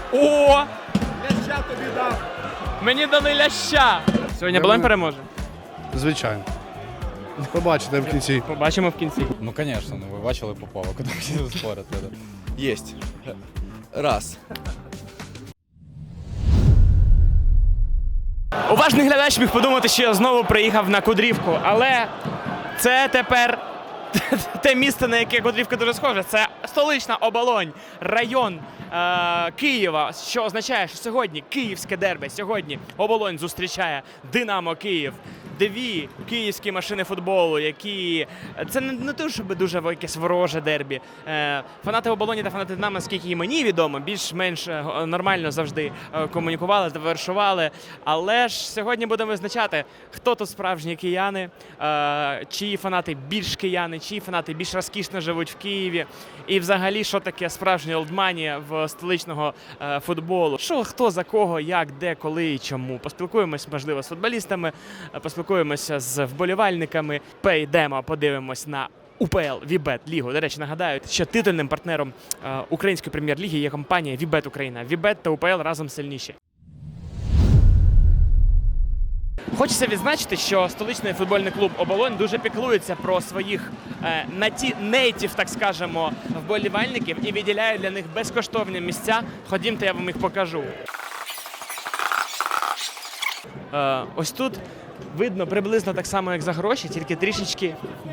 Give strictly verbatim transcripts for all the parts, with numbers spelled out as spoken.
О! Ляща тобі дав. Мені дали ляща. Сьогодні Болонь переможе. Звичайно. Побачите в кінці. Побачимо в кінці. Ну, звісно, ну ви бачили Попова, куди всі спорити. Єсть. Раз. Уважний глядач міг подумати, що я знову приїхав на Кудрівку, але це тепер те місце, на яке Кудрівка дуже схожа. Це столична Оболонь, район е- Києва, що означає, що сьогодні київське дербі, сьогодні Оболонь зустрічає Динамо Київ. Дві київські машини футболу, які... Це не, не те, щоб дуже якесь вороже дербі. Е, фанати Оболоні та фанати Динамо, скільки і мені відомо, більш-менш нормально завжди комунікували, завершували. Але ж сьогодні будемо визначати, хто тут справжні кияни, е, чиї фанати більш кияни, чиї фанати більш розкішно живуть в Києві. І взагалі, що таке справжня олдманія в столичного е, футболу. Що, хто за кого, як, де, коли і чому. Поспілкуємось, можливо, з футболістами, поспілкуємося з вболівальниками, перейдемо, подивимось на УПЛ Вібет Лігу. До речі, нагадаю, що титульним партнером е, української прем'єр-ліги є компанія Вібет Україна. Вібет та УПЛ разом сильніші. Хочеться відзначити, що столичний футбольний клуб «Оболонь» дуже піклується про своїх е, наті, нейтів, так скажемо, вболівальників і виділяє для них безкоштовні місця. Ходімте, я вам їх покажу. Е, ось тут видно приблизно так само, як за гроші, тільки трішечки...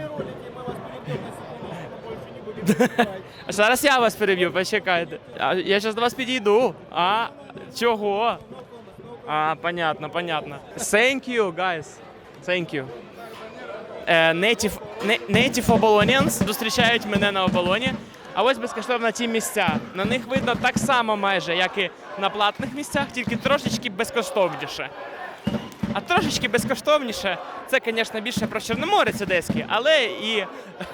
Зараз я вас переб'ю, почекайте. А, я зараз до вас підійду. А, чого? А, понятно, понятно. Thank you, guys. Thank you. Е, native, native Obolonians зустрічають мене на Оболоні. А ось безкоштовно ті місця. На них видно так само майже, як і на платних місцях, тільки трошечки безкоштовніше. А трошечки безкоштовніше, це, звісно, більше про Чорноморець одеський, але і,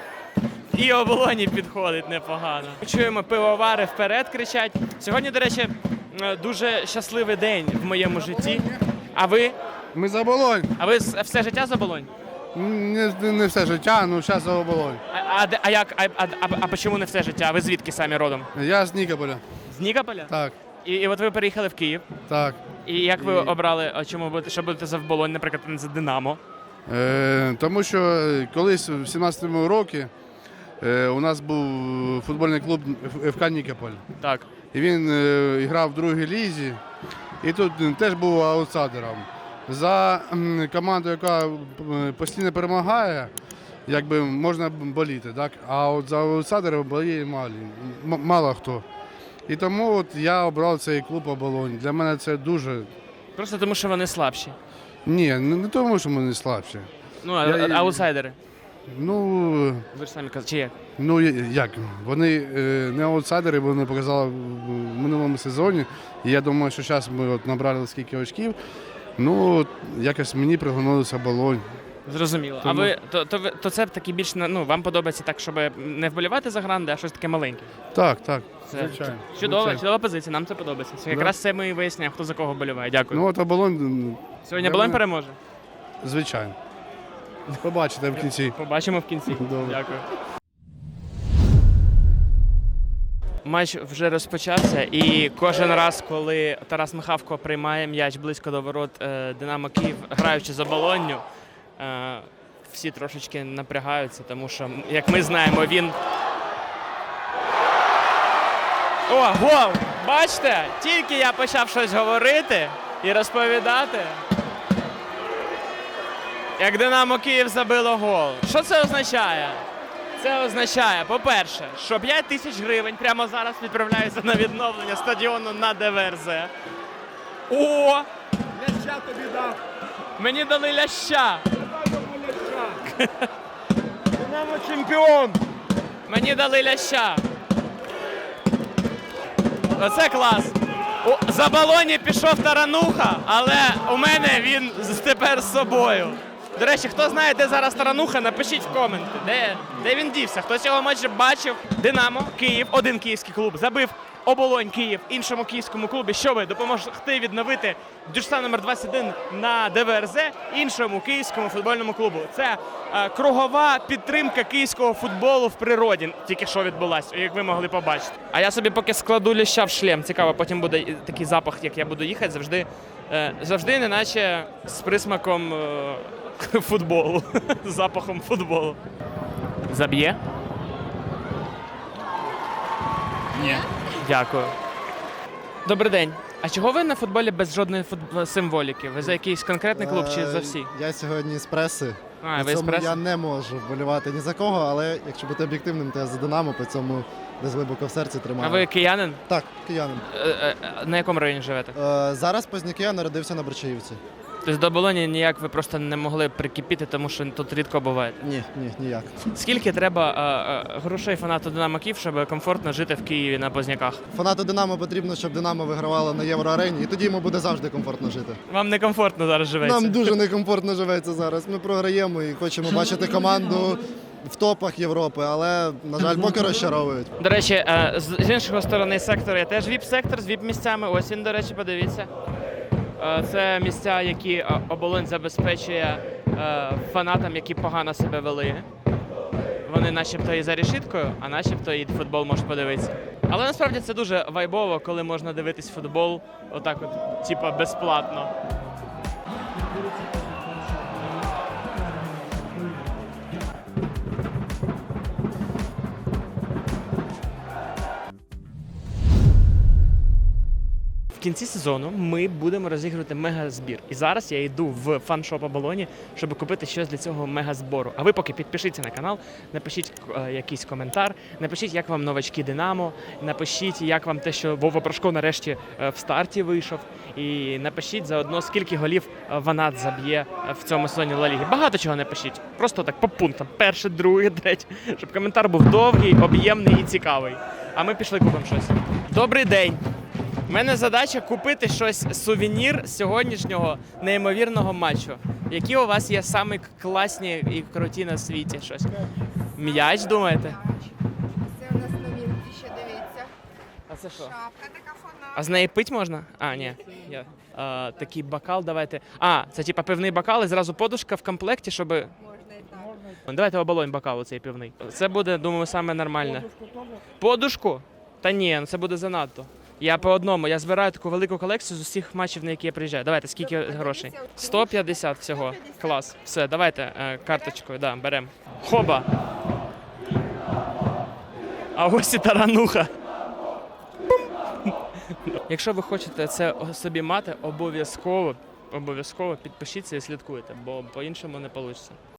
і Оболоні підходить непогано. Чуємо, пивовари вперед кричать. Сьогодні, до речі, дуже щасливий день в моєму житті. А ви? Ми за Оболонь. А ви все життя за Оболонь? Не, не все життя, ну зараз за Оболонь. А, а, а як? А, а, а, а чому не все життя? А ви звідки самі родом? Я з Нікополя. З Нікополя? Так, І, і от ви переїхали в Київ. так. І як ви І- обрали, а чому будете, що будете за Оболонь, наприклад, не за Динамо? Е, тому що колись в сімнадцятому році е, у нас був футбольний клуб еф ка Нікополь. Так. І він е, грав в другій лізі, і тут теж був аутсайдером. За м, команду, яка е, постійно перемагає, якби можна боліти, так? А от за аутсайдерів боліє мало, м- мало хто. І тому от я обрав цей клуб «Оболонь». Для мене це дуже... Просто тому, що вони слабші. Ні, не, не тому, що ми не слабші. Ну, а, Я- а- аутсайдери. Ну, Ви ж самі казали, чи як? ну як? Вони е, не аутсайдери, бо вони показали в минулому сезоні. І я думаю, що зараз ми от набрали скільки очків. Ну, от якось мені приглянулося «Оболонь». Зрозуміло. Тому- А ви то, то, ви- то це таки більш ну вам подобається так, щоб не вболівати за гранди, а щось таке маленьке. Так, так. Це Звичайно. чудова, Звичайно. чудова позиція. Нам це подобається. Це якраз це ми і виясняємо, хто за кого вболіває. Дякую. Ну от «Оболонь», Сьогодні для Болонь мене- переможе. звичайно. Побачите в кінці. Побачимо в кінці. Добре. Дякую. Матч вже розпочався, і кожен раз, коли Тарас Михавко приймає м'яч близько до ворот е, Динамо Київ, граючи за Болонню, е, всі трошечки напрягаються, тому що, як ми знаємо, він... О, гол! Бачите? Тільки я почав щось говорити і розповідати, як Динамо Київ забило гол. Що це означає? Це означає, по-перше, що п'ять тисяч гривень прямо зараз відправляються на відновлення стадіону на Де Ве ЕрЗе. О! Ляща тобі дав. Мені дали ляща! Динамо чемпіон! Мені дали ляща! Оце клас! У, за Болоні пішов Тарануха, але у мене він з- тепер з собою. До речі, хто знає, де зараз Тарануха, напишіть в коменти, де, де він дівся. Хто цього матчу бачив? Динамо, Київ, один київський клуб, забив Оболонь Київ іншому київському клубі, щоб допомогти відновити дюшса номер двадцять один на ДВРЗ іншому київському футбольному клубу. Це е, кругова підтримка київського футболу в природі, тільки що відбулася, як ви могли побачити. А я собі поки складу ліща в шлем. Цікаво, потім буде і такий запах, як я буду їхати, завжди, е, завжди неначе з присмаком е, футболу, з запахом футболу. Заб'є? Ні. Дякую. Добрий день. А чого ви на футболі без жодної футб... символіки? Ви за якийсь конкретний клуб чи за всі? Е, Я сьогодні з преси. А, По ви з цьому преси? я не можу вболівати ні за кого, але якщо бути об'єктивним, то я за Динамо, по цьому десь глибоко в серці тримаю. А ви киянин? Так, киянин. Е, е, е, На якому районі живете? Е, зараз Позняки, я народився на Борчаївці. Тобто до Болоні ніяк ви просто не могли прикипіти, тому що тут рідко буваєте. Ні, ні, ніяк. Скільки треба е, е, грошей фанату Динамо Київ, щоб комфортно жити в Києві на Позняках? Фанату Динамо потрібно, щоб Динамо вигравало на Євроарені, і тоді йому буде завжди комфортно жити. Вам некомфортно зараз живеться? Нам дуже некомфортно живеться зараз. Ми програємо і хочемо бачити команду в топах Європи, але, на жаль, поки розчаровують. До речі, е, з з іншої сторони сектору є теж віп-сектор з віп-місцями. Ось він, до речі, подивіться. Е, Це місця, які е, Оболонь забезпечує е, фанатам, які погано себе вели. Вони начебто і за решіткою, а начебто і футбол можуть подивитися. Але насправді це дуже вайбово, коли можна дивитись футбол отак от, типа, безплатно. В кінці сезону ми будемо розігрувати мегазбір. І зараз я йду в фан-шоп Оболоні, щоб купити щось для цього мегазбору. А ви поки підпишіться на канал, напишіть е, якийсь коментар, напишіть, як вам новачки Динамо, напишіть, як вам те, що Вова Прошко нарешті е, в старті вийшов. І напишіть заодно, скільки голів е, Ванат заб'є е, в цьому сезоні Ла Ліги. Багато чого напишіть. Просто так по пунктам. Перше, друге, третє. Щоб коментар був довгий, об'ємний і цікавий. А ми пішли купимо щось. Добрий день! У мене задача купити щось, сувенір сьогоднішнього неймовірного матчу. Які у вас є самі класні і круті на світі щось? М'яч, думаєте? Це у нас новинки, ще дивіться. А це що? Шапка така фона. А з неї пить можна? А, ні. Я. А, такий бокал давайте. А, це типа пивний бокал і зразу подушка в комплекті, щоб... Можна і так. Давайте Оболонь бокал оцей пивний. Це буде, думаю, саме нормальне. Подушку? Та ні, ну це буде занадто. Я по одному, я збираю таку велику колекцію з усіх матчів, на які я приїжджаю. Давайте, скільки грошей? сто п'ятдесят всього. Клас. Все, давайте е, карточкою, да, беремо. Хоба. А ось і тарануха. Якщо ви хочете це собі мати, обов'язково, обов'язково підпишіться і слідкуйте, бо по-іншому не вийде.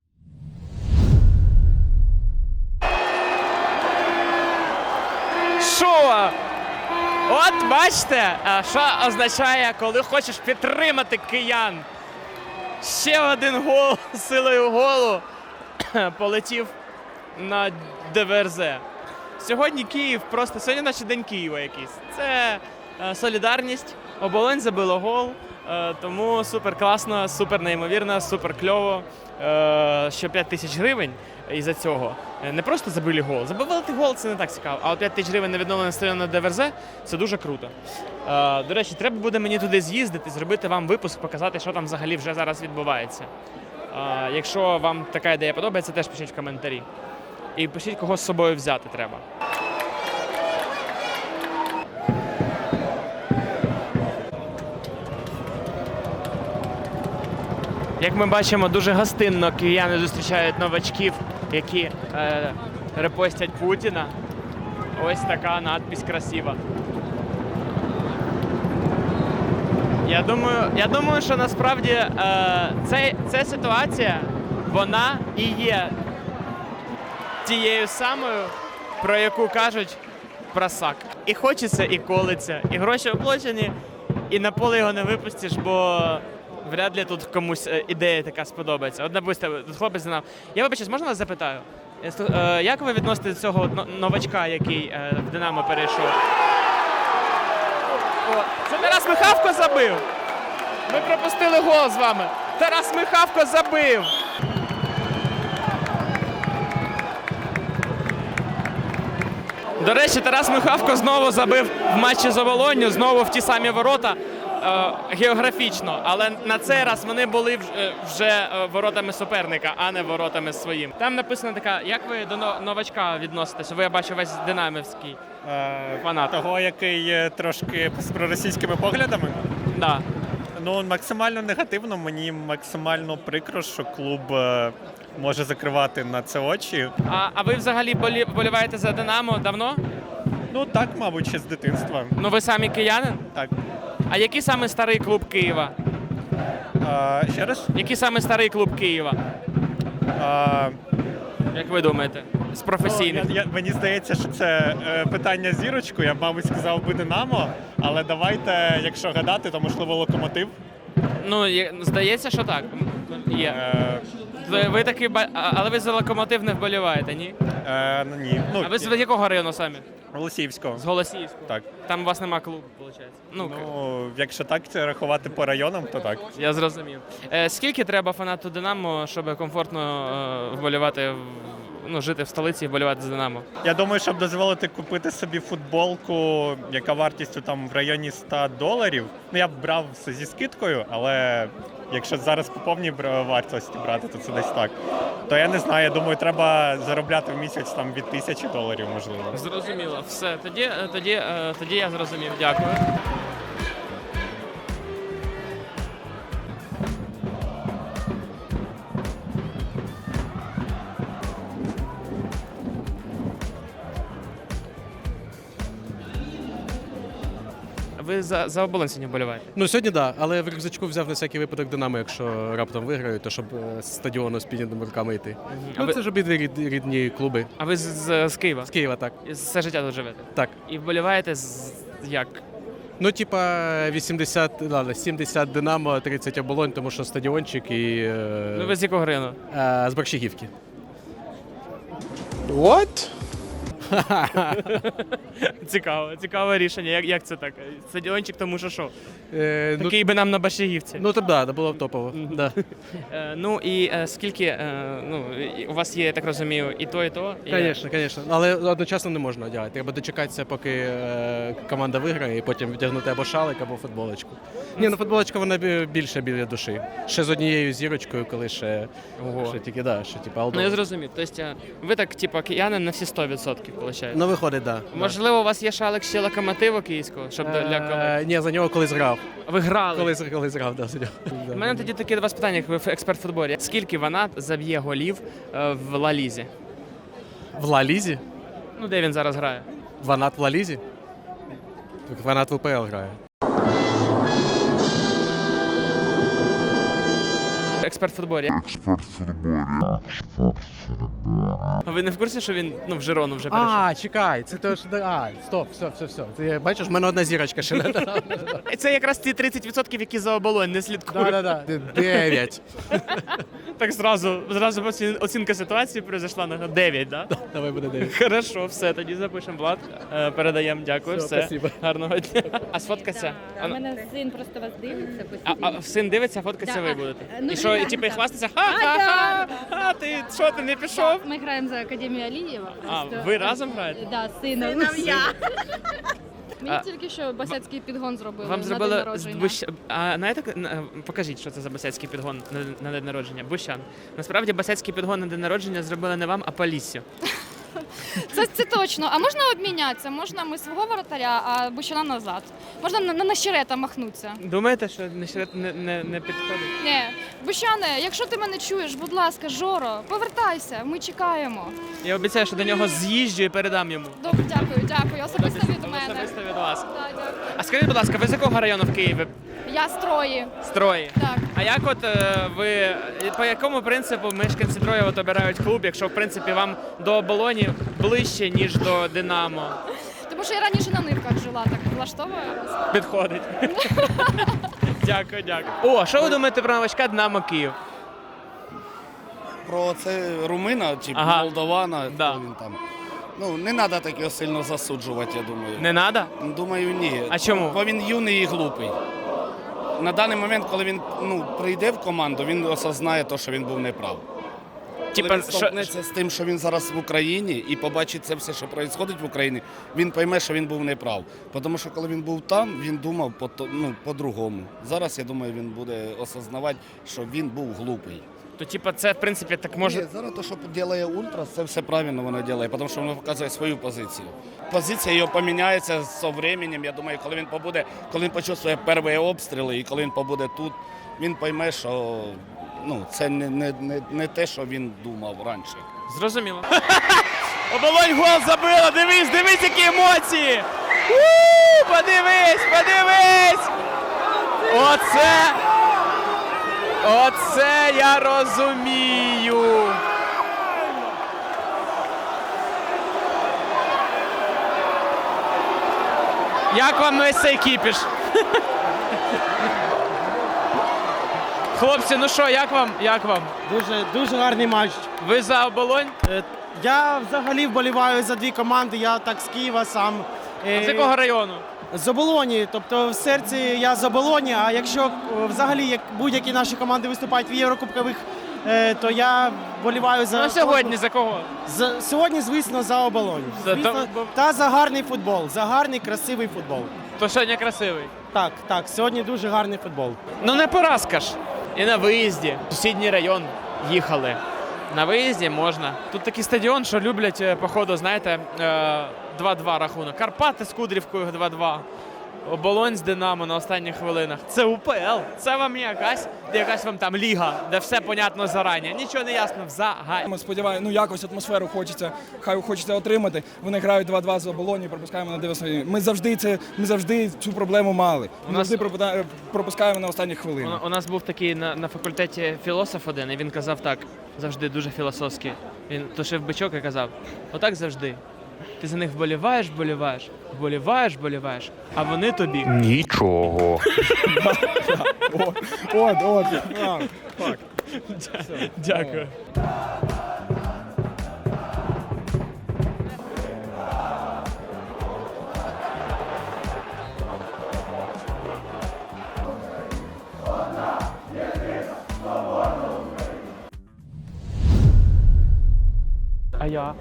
Що? От бачите, що означає, коли хочеш підтримати киян. Ще один гол силою голу полетів на ДВРЗ. Сьогодні Київ просто, сьогодні наче День Києва якийсь. Це е, солідарність, Оболонь забило гол, е, тому супер класно, супер неймовірно, супер кльово, е, що п'ять тисяч гривень із-за цього. Не просто забили гол. Забивати гол – це не так цікаво, а от п'ять тисяч гривень на відновлене стадіон на ДВРЗ – це дуже круто. Е, до речі, треба буде мені туди з'їздити, зробити вам випуск, показати, що там взагалі вже зараз відбувається. Е, якщо вам така ідея подобається, теж пишіть в коментарі. І пишіть, кого з собою взяти треба. Як ми бачимо, дуже гостинно кияни зустрічають новачків, які е, репостять Путіна. Ось така надпись красива. Я думаю, я думаю, що насправді е, це, ця ситуація, вона і є тією самою, про яку кажуть просак. І хочеться, і колиться, і гроші оплачені, і на поле його не випустиш, бо вряд ли тут комусь ідея така сподобається. От, допустим, хлопець знав. Я вибачаюсь, можна вас запитаю? Як ви відносите до цього новачка, який в Динамо перейшов? О, це Тарас Михавко забив! Ми пропустили гол з вами. Тарас Михавко забив! До речі, Тарас Михавко знову забив в матчі з Оболонню, знову в ті самі ворота е, географічно. Але на цей раз вони були вже, е, вже е, воротами суперника, а не воротами своїм. Там написано така, як ви до но- новачка відноситесь? Ви, я бачу, весь динамівський. Е, Фанат. Того, який є трошки з проросійськими поглядами. Да. Ну, максимально негативно, мені максимально прикро, що клуб е, може закривати на це очі. А, а ви взагалі болі, вболіваєте за Динамо давно? Ну так, мабуть, ще з дитинства. Ну ви самі киянин? Так. А який саме старий клуб Києва? Е, ще раз. Який саме старий клуб Києва? Е, Як ви думаєте? З професійних? Ну, я, я, мені здається, що це е, питання з зірочкою. Я б, мабуть, сказав би Динамо, але давайте, якщо гадати, то можливо Локомотив. Ну, є- здається, що так. Є. Е, Ви, ви таки, ба- а- але ви за Локомотив не вболіваєте, ні? е, ну, ні. Ну, А ви з якого району самі? Голосіївського. З Голосіївського? Так. Там у вас нема клубу, виходить? Ну, к- Ну, якщо так це рахувати по районам, то так. я зрозумів. Е, скільки треба фанату Динамо, щоб комфортно е, вболівати, в- ну, жити в столиці і вболівати за Динамо? Я думаю, щоб дозволити купити собі футболку, яка вартістю там в районі ста доларів. Ну я б брав все зі скидкою, але якщо зараз по повній бра- вартості брати, то це десь так. То я не знаю, я думаю, треба заробляти в місяць там від тисячі доларів, можливо. Зрозуміло. Все, тоді, е, тоді, е, тоді я зрозумів. Дякую. Ви за, за Оболонь сьогодні вболіваєте? Ну сьогодні так, да, але в рюкзачку взяв на всякий випадок Динамо, якщо раптом виграють, то щоб е, з стадіону з піднятими руками йти. А Ну ви- це ж обидві рід- рідні клуби. А ви з, з, з Києва? З Києва, так. І Все життя тут живете? Так. І вболіваєте з як? Ну, типа вісімдесят, ладно, сімдесят Динамо, тридцять Оболонь, тому що стадіончик і е, Ну ви з якого району? е, з Борщагівки. Цікаво, цікаве рішення. Як, як це так? Стадіончик, тому що що? Е, ну, Такий би нам на Башігівці. ну так, да, було б топово. Да. Е, ну і е, скільки, е, ну, і у вас є, я так розумію, і то, і то? І- Звісно, звісно. Але одночасно не можна одягати. Треба дочекатися, поки е, команда виграє, і потім вдягнути або шалик, або футболочку. Ні, ну футболочка вона бі- більше біля душі. Ще з однією зірочкою, коли ще, Ого. ще тільки, да, ще типу, Ну алдо. я зрозумів. Тобто е, ви так, типу, киянин на всі сто відсотків, виходить? Ну виходить, так. Да. Можливо, у вас є шалик ще локомотиву київського, щоб для для колег? Е, ні, за нього колись грав. Ви грали. Колись, колись грав, да, за нього. У мене тоді таке до вас питання, як ви експерт в футболі. Скільки Ванат заб'є голів е, в Ла Лізі? В Ла Лізі? Ну, де він зараз грає? Ванат в Ла Лізі? Так Ванат в УПЛ грає. Експерт в футболі. Експерт в футболі. А ви не в курсі, що він ну, в Жирону вже перейшов? А, чекай, це то, що... А, стоп, все, все, все. Ти бачиш, в мене одна зірочка ще не дала. Це якраз ті тридцять відсотків, які за Оболонь не слідкують. Да-да-да. Дев'ять. Так зразу, зразу оці- оцінка ситуації произошла на дев'ять, да? Давай буде дев'ять. Хорошо, все, тоді запишемо Влад. Е, Передаємо, дякую, Все, все. спасибо. Гарного дня. А сфоткатися? А, У ну, мене син просто вас дивиться а, постійно. а син дивиться, а фоткатися Да, ви а, будете? ну, І що, і да, типу і да. хвастатися? А, Ха-ха-ха! да, А ти що, ти не пішов? Ми граємо за Академію Алієва. А, просто- ви разом граєте? Да, з сином. я. Мені А- тільки що басецький підгон зробили Вам на зробили день з народження. Бущ... А знаєте, на- покажіть, що це за басецький підгон на, на день народження. Бущан. Насправді басецький підгон на день народження зробили не вам, а Поліссю. Це, це точно. А можна обмінятися? Можна ми свого воротаря, а Бущана назад. Можна на, на нащерета махнутися. Думаєте, що не, не, не, не підходить? Ні. Бущане, якщо ти мене чуєш, будь ласка, Жоро, повертайся, ми чекаємо. Я обіцяю, що до нього з'їжджу і передам йому. Добре, дякую, дякую. Особисто від мене. Особисто від вас. Так, дякую. А скажіть, будь ласка, ви з якого району в Києві? Я строї. Строї. Так. А як от е, ви, по якому принципу мешканці Троє от обирають клуб, якщо в принципі вам до Оболоні ближче, ніж до Динамо? Тому що я раніше на нивках жила, так влаштовує. Підходить. Дякую, дякую. О, що ви думаєте про новачка Динамо Київ? Про це румина чи Ага. молдавана, Да. хто він там. Ну, не треба так його сильно засуджувати, я думаю. Не треба? Думаю, ні. А чому? Бо він юний і глупий. На даний момент, коли він ну, прийде в команду, він осознає те, що він був неправ. Типа, Коли він що- столкнеться з тим, що він зараз в Україні, і побачить це все, що відбувається в Україні, він пойме, що він був неправ. Тому що коли він був там, він думав по, то- ну, по-другому. Зараз, я думаю, він буде осознавати, що він був глупий. То, типа, це, в принципі, так може. Ні, зараз те, що робить Ультрас, це все правильно воно робить, тому що воно показує свою позицію. Позиція його поміняється з часом, я думаю, коли він побуде, коли він почує перші обстріли і коли він побуде тут, він пойме, що ну, це не, не, не, не те, що він думав раніше. Зрозуміло. Оболонь гол забила! Дивись, дивись, які емоції! У, подивись, подивись! Оце! Оце я розумію! Як вам весь цей кіпіш? Хлопці, ну що, як вам? Як вам? Дуже, дуже гарний матч. Ви за оболонь? Е, Я взагалі вболіваю за дві команди, я так з Києва сам. Е, З якого району? З Оболоні, тобто в серці я з Оболоні, а якщо е, взагалі як будь-які наші команди виступають в Єврокубкових, е, то я вболіваю за... Ну сьогодні за кого? За, сьогодні, звісно, за Оболонь. За- Звісно, то- та за гарний футбол, за гарний, красивий футбол. То сьогодні красивий. Так, так, сьогодні дуже гарний футбол. Ну не поразка ж. І на виїзді. В сусідній район їхали. На виїзді можна. Тут такий стадіон, що люблять, е, походу, знаєте, е, два-два рахунок. Карпати з Кудрівкою два-два. Оболонь з Динамо на останніх хвилинах. Це УПЛ. Це вам якась, якась вам там ліга, де все понятно зарані. Нічого не ясно взагалі. Ми сподіваємося, ну якось атмосферу хочеться, хай хочеться отримати. Вони грають два-два з Оболоні, пропускаємо на дев'яносто. Ми завжди це, ми завжди цю проблему мали. У Ми нас- завжди пропада- пропускаємо на останніх У, хвилинах. у нас був такий на, на факультеті філософ один, і він казав так, завжди дуже філософськи. Він тушив бичок і казав, отак завжди. Ти за них вболіваєш, вболіваєш, вболіваєш, вболіваєш, а вони тобі нічого. От, от, так. Дякую. А я?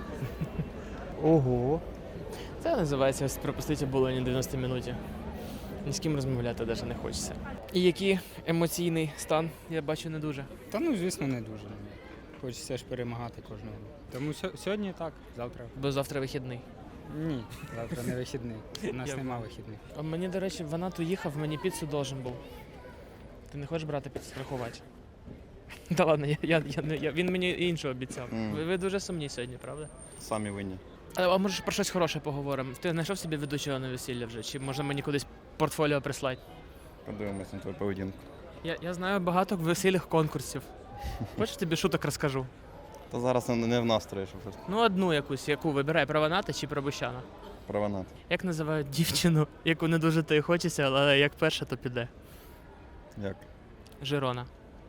Ого. Це називається ось пропустити Оболоні дев'яносто минуті. Ні з ким розмовляти навіть не хочеться. І який емоційний стан, я бачу, не дуже. Та ну, звісно, не дуже. Хочеться ж перемагати кожного. Тому сьо- сьогодні так, завтра. Бо завтра вихідний. Ні, завтра не вихідний. У нас Я нема понял. вихідних. А мені, до речі, вона тут їхав, мені піцу должен був. Ти не хочеш брати піцу страхувати? Та ладно, я, я, я, не- я, він мені іншу обіцяв. Мгм. Ви, ви дуже сумні сьогодні, правда? Самі винні. А, а може про щось хороше поговоримо? Ти знайшов собі ведучого на весілля вже? Чи може мені кудись портфоліо прислати? Подивимось на твою поведінку. Я, я знаю багато весільних конкурсів. Хочеш тобі шуток розкажу? Та зараз не- не в настрої, щоб Ну, одну якусь, яку вибирай, про Ваната чи про Бущана. провинати. Як називають дівчину, яку не дуже то й хочеться, але як перша, то піде? Як? Жирона.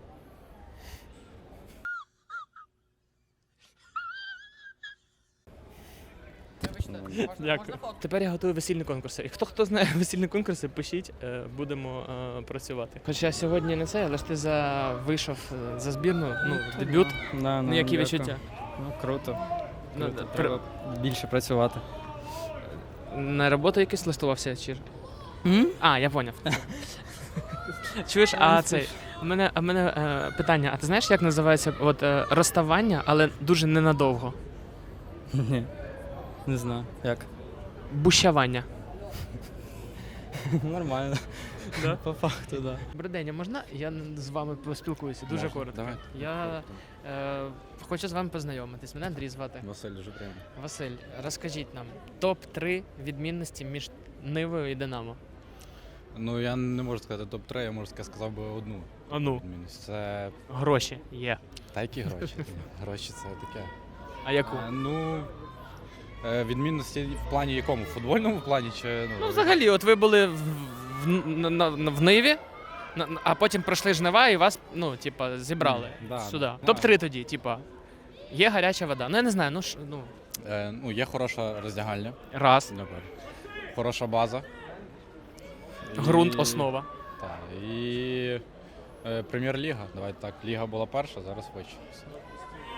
Дякую. Тепер я готую весільні конкурси. І хто хто знає весільні конкурси, пишіть, е, будемо е, працювати. Хоча сьогодні не це, але ж ти за вийшов е, за збірну, ну, дебют. Да, Ну, які відчуття? Ну, круто. Ну, Круто. пр- Треба більше працювати. На роботу якийсь влаштувався чи? А, я поняв. Чуєш, а цей. У мене, у мене е, питання, а ти знаєш, як називається от, е, розставання, але дуже ненадовго? Ні, не знаю. Як? Бущавання. Нормально. Да? По факту, так. Да. Добрий день, а можна я з вами поспілкуюся? Дуже Можна, коротко. давай. Я е, хочу з вами познайомитись. Мене Андрій звати. Василь дуже приємно. Василь, розкажіть нам топ три відмінності між Нивою і Динамо. Ну, я не можу сказати топ три, я можу сказати, сказав би одну. А ну, відмінність. Це гроші є. та які гроші? Гроші це таке. А яку? Е, Ну, е, відмінності в плані якому? В футбольному плані чи ну, Ну, взагалі, от ви були в, в, на, на, в Ниві, на- на- а потім пройшли жнива і вас, ну, типа, зібрали М, да, сюди. да. топ три тоді, типа, є гаряча вода. Ну, я не знаю, ну, ш- ну Е, ну, є хороша роздягальня, раз, напевно. Хороша база. ґрунт, І- основа. Так, і е, прем'єр-ліга. Давайте так, ліга була перша, зараз вище.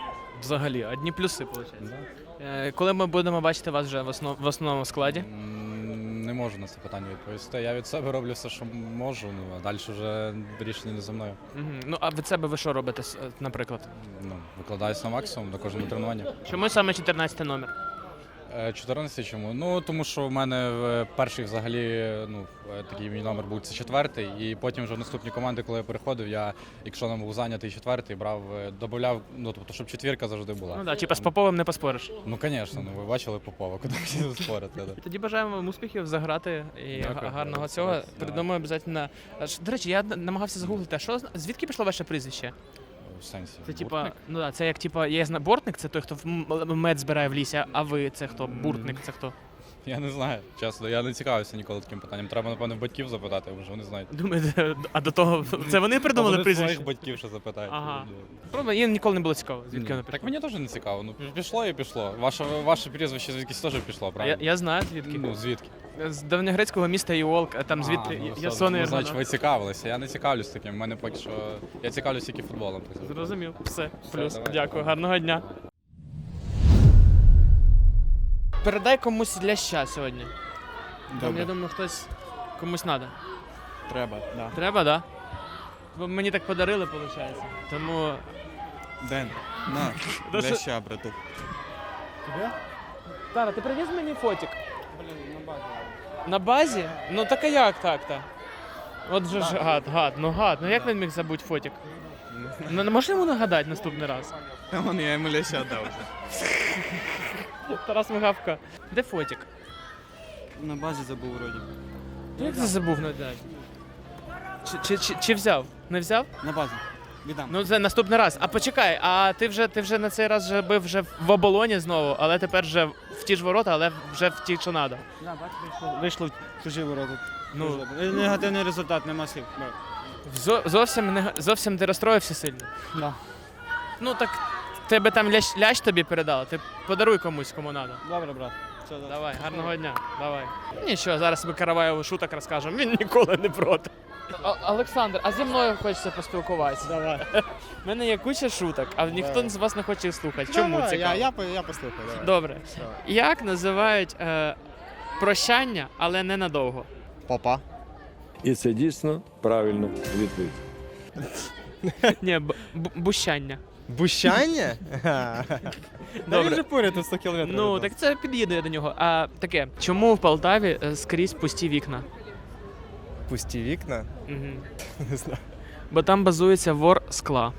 Взагалі, одні плюси, виходить. Е, Коли ми будемо бачити вас вже в основ- в основному складі? Не можу на це питання відповісти. Я від себе роблю все, що можу, ну а далі вже рішення не за мною. Мгм. Ну, а від себе ви що робите, с- е, наприклад? Ну, викладаюся на максимум на кожному тренуванні. Чому саме чотирнадцятий номер? Е, чотирнадцятий чому? Ну тому що в мене е, перший взагалі ну е, такий мій номер був це четвертий, і потім вже в наступні команди, коли я переходив, я, якщо нам був зайнятий четвертий, брав, е, додавав, ну тобто, щоб четвірка завжди була. Ну так, типа з Поповим не поспориш. Ну, звісно, ну ви бачили Попова, куди всі спорити. Да. Тоді бажаємо вам успіхів, заграти і Дякую. га- гарного Давай. цього. Давай. Придумаю обов'язково. А ж, До речі, я н- намагався загуглити, а що зна- звідки пішло ваше прізвище? В сенсі. Це типа, Буртник? ну да, це як типа, я знаю, бортник, це той, хто в м- м- мед збирає в лісі, а ви це хто? Буртник, це хто? Я не знаю, чесно, я не цікавився ніколи таким питанням. Треба, напевно, в батьків запитати, може вони знають. Думаєте, а до того це вони придумали Вони прізвище? своїх батьків ще запитають. Ага. Правда, їм ніколи не було цікаво, звідки Ні. воно Так пішло. мені теж не цікаво. Ну пішло і пішло. Ваше, ваше прізвище звідкись теж пішло, Я, правильно? я знаю звідки. Ну, звідки? З давньогрецького міста Іолк, а там звідти А, ну, Ясон і ну, значить, Іргона. ви цікавилися. Я не цікавлюсь таким. У мене поки що. Я цікавлюсь тільки футболом. так сказати. Зрозумів, все. Плюс. давай. Дякую, гарного дня. Передай комусь ляща сьогодні. Там, я думаю, хтось комусь треба. Треба, да. Треба, так? Да? Бо мені так подарили, виходить. Тому. Ден, на, Да що- ща, братух. Тара, ти привіз мені фотик? На базі? Ну так а як так-то? От же ж гад, гад, ну гад. Ну як він міг забути фотик? Ну не можеш йому нагадати наступний раз? Та вон я йому ляща дав вже. Тарас Мигавка. Де фотик? На базі забув вроді. Ну, як ти забув надати? Чи, чи, чи, чи взяв? Не взяв? На базі. Віддам. Ну це наступний раз. А почекай, а ти вже ти вже на цей раз вже бив вже в оболоні знову, але тепер вже в ті ж ворота, але вже в ті, що треба. Да, бач, вийшло, вийшло в чужі ворота. Ну, Негативний результат, нема слів. зо, зовсім не зовсім ти розстроївся сильно. Да. Ну так тебе там лящ, лящ тобі передали, ти подаруй комусь, кому треба. Добре, брат. Все, Давай, гарного дня, давай. Нічого, зараз ми Караваєву шуток розкажемо, він ніколи не проти. Олександр, а зі мною хочеться поспілкуватися? Давай. У мене є куча шуток, а ніхто з вас не хоче їх слухати. Чому цікаво? Я, я, я послухаю, давай. Добре. Давай. Як називають е, прощання, але не надовго? Попа. І це дійсно правильно відповідь. Ні, б- б- бущання. Бущання? Добре. Він же поряд тут сто кілометрів. Ну, від нас. так це під'їду я до нього. А таке, чому в Полтаві е, скрізь пусті вікна? Пусті вікна? Угу. Не знаю. Бо там базується вор скла.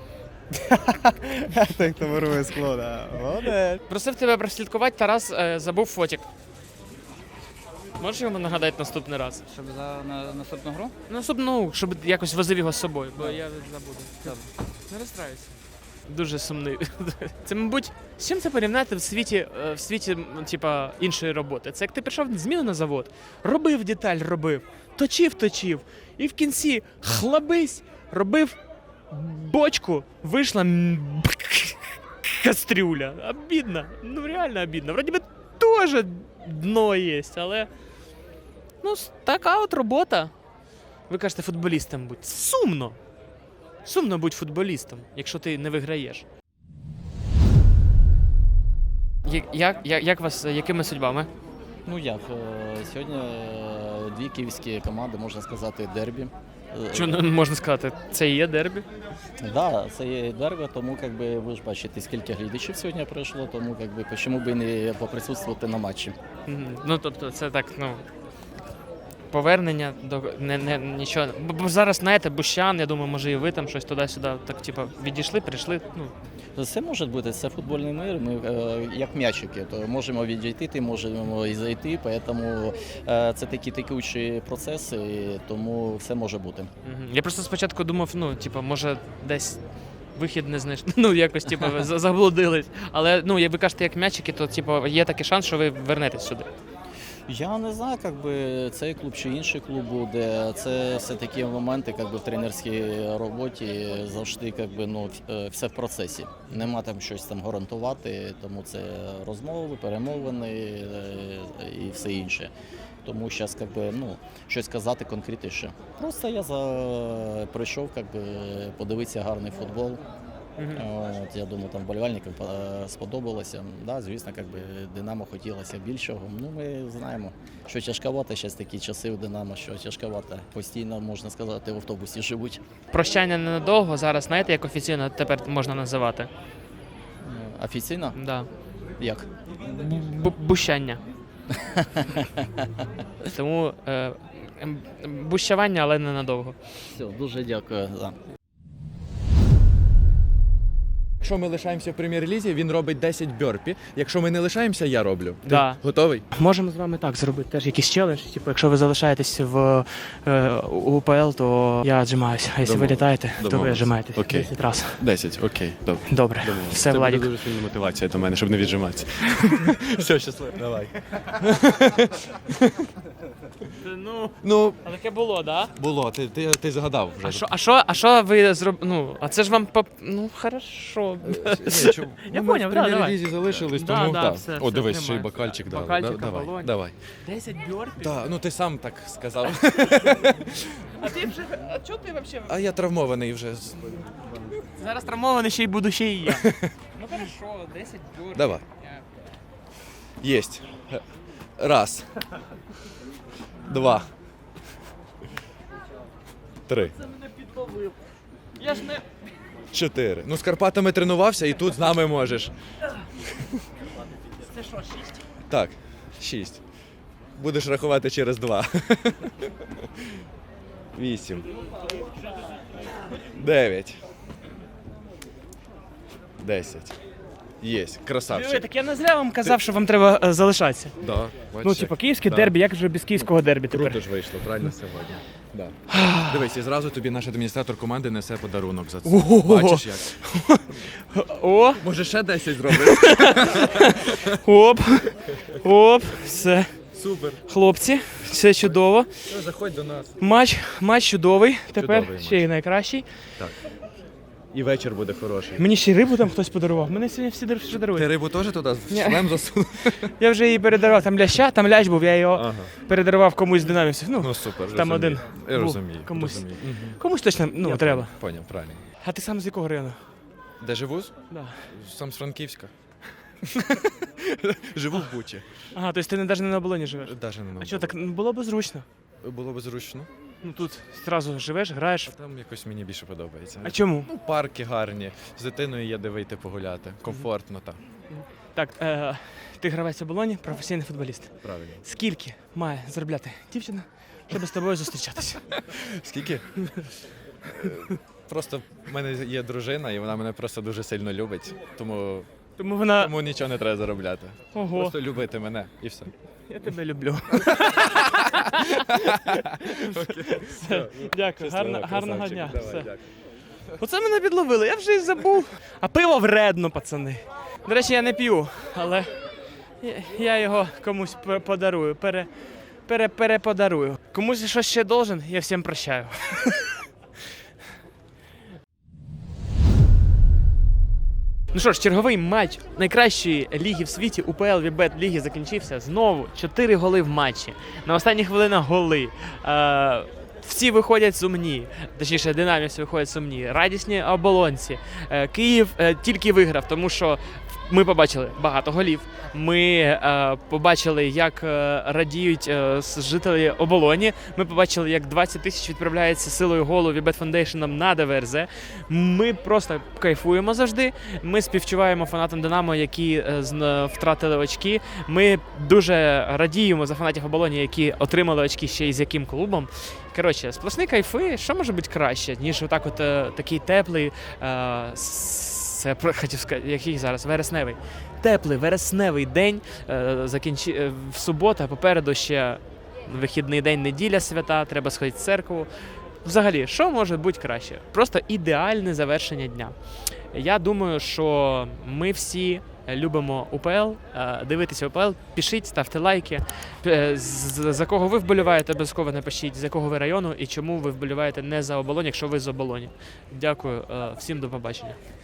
Так, хто ворує скло, да. Молодець. Просив тебе прослідкувати, Тарас е, забув фотик. Можеш йому нагадати наступний раз? Щоб за на, наступну гру? Наступну, щоб якось возив його з собою, бо я забуду. Не розстраюйся. Дуже сумний. Це, мабуть, з чим це порівняти в світі, е, в світі м, типа, іншої роботи? Це як ти прийшов зміну на завод, робив деталь, робив, точив, точив, і в кінці хлабись, робив бочку, вийшла м, кастрюля. Обідно. Ну реально обідно. Вроді би теж дно є, але ну, с- така от робота. Ви кажете, футболістом будь. Сумно. Сумно бути футболістом, якщо ти не виграєш. Я- Як, як, як вас, якими судьбами? Ну як, е, сьогодні е, дві київські команди, можна сказати, дербі. Е, Що не можна сказати, це і є дербі? Да, це є дербі, тому как би, ви ж бачите, скільки глядачів сьогодні прийшло, тому как би, чому би не поприсутствувати на матчі. Мгм. Ну, тобто, це так, ну. Повернення до не, не нічого. Бо, бо зараз, знаєте, Бущан, я думаю, може і ви там щось туди-сюди, так, типу, відійшли, прийшли. Ну, Це може бути, це футбольний мир, ми е, як м'ячики, то можемо відійти, ти можемо і зайти, тому е, це такі текучі процеси, тому все може бути. Мгм. Я просто спочатку думав, ну, типу, може десь вихід не знайшли, ну, якось, типу, ви за- заблудились. Але, ну, як ви кажете, як м'ячики, то, типу, є такий шанс, що ви вернетесь сюди. Я не знаю, як би цей клуб чи інший клуб буде. Це все такі моменти, як би в тренерській роботі завжди, як би, ну, все в процесі. Нема там щось там гарантувати, тому це розмови, перемовини е, і все інше. Тому зараз, як би, ну, щось казати конкретніше. Просто я за прийшов, як би, подивитися гарний футбол. От, я думаю, там вболівальникам е, сподобалося. Да, звісно, як би Динамо хотілося більшого. Ну, ми знаємо, що тяжковато зараз такі часи у Динамо, що тяжковато. Постійно, можна сказати, в автобусі живуть. Прощання ненадовго. Зараз знаєте, як офіційно тепер можна називати? Офіційно? Да. Як? Б- Бущання. Тому е, ем, бущавання, але ненадовго. Все, дуже дякую. Да. Якщо ми лишаємося в прем'єр-лізі, він робить десять бьорпі. Якщо ми не лишаємося, я роблю. Ти Да. готовий? Можемо з вами так зробити теж якийсь челендж. Типу, якщо ви залишаєтесь в е, УПЛ, то я віджимаюся. А якщо ви Домовились. літаєте, то ви Домовились. віджимаєтесь. Окей. десять разів. десять, окей, добре. Добре. Домовились. Все, Це Владик. буде дуже сильна мотивація до мене, щоб не віджиматися. Все, щасливо. Давай. Ну, Ну, а таке було, да? було, ти, ти, ти згадав вже. А що, а що, а що ви зробили? Ну, а це ж вам по... Ну, хорошо. Ні, чому? Я Ну, поняв, ми да, в давай. прем'єр-лізі залишились, Да, тому да, так. все, О, все, дивись, ще й тримаю. бокальчик дали. Бокальчик, Да, давай, оболонь. давай. десять бьорпів? Так, ну ти сам так сказав. А ти вже, а чого ти взагалі? А я травмований вже. Зараз травмований ще й буду ще і я. Ну, хорошо, десять бьорпів. Давай. Єсть. Раз. Два. Три. Це мене підловив. Я ж не... Чотири. Ну, з Карпатами тренувався і тут з нами можеш. Це що, шість? Так, шість. Будеш рахувати через два. Вісім. Дев'ять. Десять. Єсть. Диви, Красавчик. так я не зря вам казав, що вам треба е, залишатися. Да, Ну, бачиш, типу, як- київське да. дербі, як же без київського дербі тепер? Круто ж вийшло, правильно сьогодні. Да. Дивись, і зразу тобі наш адміністратор команди несе подарунок за це. Ого! Бачиш як? О, Може ще десять зробиш? оп, оп, все. Супер. Хлопці, все чудово. Ну, заходь до нас. Матч, матч чудовий, тепер Чудовий ще й найкращий. Так. І вечір буде хороший. Мені ще й рибу там хтось подарував. Мене сьогодні всі дар- що дарують. Ти рибу теж туди в Ні. шлем засунув? Я вже її передарував, там ляща, там лящ був, я його Ага. передарував комусь з динамівців. Ну, Ну супер, там розумію. один Я був, розумію. комусь. розумію. Мгм. Комусь точно ну, Я треба. Поняв, поняв, правильно. А ти сам з якого району? Де живу? Да. Сам з Франківська. Живу в Бучі. Ага, тобто ти не навіть не на оболоні живеш. Даже не А що, так ну, було б зручно? Було б зручно. Ну тут одразу живеш, граєш. Там якось мені більше подобається. А чому? Ну, парки гарні, з дитиною є де вийти погуляти. Комфортно, так. Так, е, ти гравець оболоні, професійний футболіст. Правильно. Скільки має заробляти дівчина, щоб з тобою зустрічатися? Скільки? Е, Просто в мене є дружина, і вона мене просто дуже сильно любить. Тому, Тому вона. тому нічого не треба заробляти. Ого, Просто любити мене і все. я тебе люблю. Все, дякую, гарно, гарного дня. Все. Оце мене підловили, я вже й забув. А пиво вредно, пацани. До речі, я не п'ю, але я- я його комусь пе- подарую, пере, пере, переподарую. Комусь щось ще должен, я всім прощаю. Ну що ж, черговий матч найкращої ліги в світі УПЛ Вібет ліги закінчився. Знову чотири голи в матчі. На останніх хвилинах голи. Е, всі виходять сумні, точніше, динамівці виходять сумні. Радісні оболонці. Е, Київ е, тільки виграв, тому що ми побачили багато голів. Ми е, побачили, як е, радіють е, с- жителі оболоні. Ми побачили, як двадцять тисяч відправляється силою голу Вібет Фондейшеном на ДВРЗ. Ми просто кайфуємо завжди. Ми співчуваємо фанатам Динамо, які е, зн- втратили очки. Ми дуже радіємо за фанатів оболоні, які отримали очки ще й з яким клубом. Коротше, сплошні кайфи. Що може бути краще, ніж отак от е, такий теплий. Е, с- Це про- хотів сказати, який зараз вересневий. Теплий вересневий день. Е, закінчи... е, в суботу, попереду ще вихідний день, неділя свята, треба сходити в церкву. Взагалі, що може бути краще? Просто ідеальне завершення дня. Я думаю, що ми всі любимо УПЛ, е, дивитися УПЛ, пишіть, ставте лайки. Е, з- За кого ви вболіваєте, обов'язково напишіть, з якого ви району і чому ви вболіваєте не за Оболонь, якщо ви з Оболоні. Дякую, е, всім до побачення.